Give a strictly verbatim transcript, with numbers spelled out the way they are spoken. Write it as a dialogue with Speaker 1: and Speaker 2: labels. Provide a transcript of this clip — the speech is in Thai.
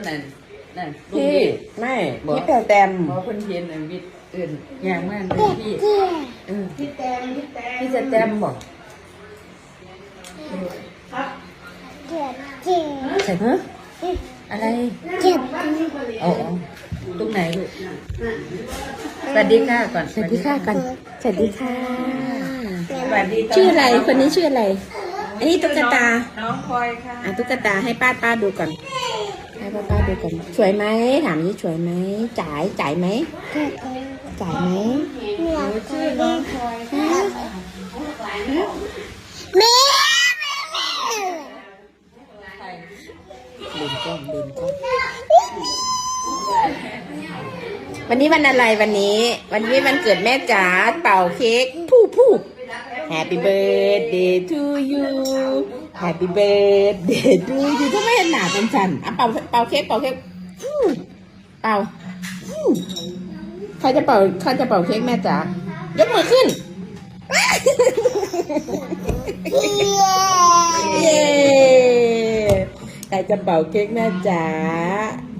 Speaker 1: นั่นนั่น
Speaker 2: พี่ไม่พี่แปลแตม
Speaker 1: พอคนเห็นอันวิทย์อื่นอย่างมากเลยพี่เออพี่แตมพี่แตมพี่จะแตมบอกครับ
Speaker 3: เจ็บเจ็บ
Speaker 1: ใส่ฮะอะไร
Speaker 3: เจ็บ
Speaker 1: อ๋อตรงไหนลูกสวัสดีค่ะก่อน
Speaker 2: สวัสดีค่ะกันสวัสดีค่ะ
Speaker 1: สวัสดี
Speaker 2: ชื่ออะไรคนนี้ชื่ออะไร อันนี้ตุ๊กตา
Speaker 1: น้องพลอยค่ะ
Speaker 2: อ่ะตุ๊กตาให้ป้าป้าดูก่อนให้ป้าป้าดูก่อนสวยไหมถามนี่สวยไหมจ่ายจ่ายไหม
Speaker 3: เจ็บ
Speaker 2: จ่ายไหม
Speaker 3: เหนื่อย
Speaker 1: ชื่อน้องพลอยค่ะ
Speaker 3: แม่
Speaker 2: เดินกล้องเดินกล้องวันนี้วันอะไรวันนี้ วันนี้วันเกิดแม่จ๋าเป่าเค้กผู้ผู้ Happy birthday to you Happy birthday to you ถ้าไม่เห็นหนาเป็นฉันอ่ะเป่าเป่าเค้กเป่าเค้กฟู่เป่าฟู่ใครจะเป่าใครจะเป่าเค้กแม่จ๋ายกมือขึ้น เย้ใครจะเป่าเค้กแม่จ๋า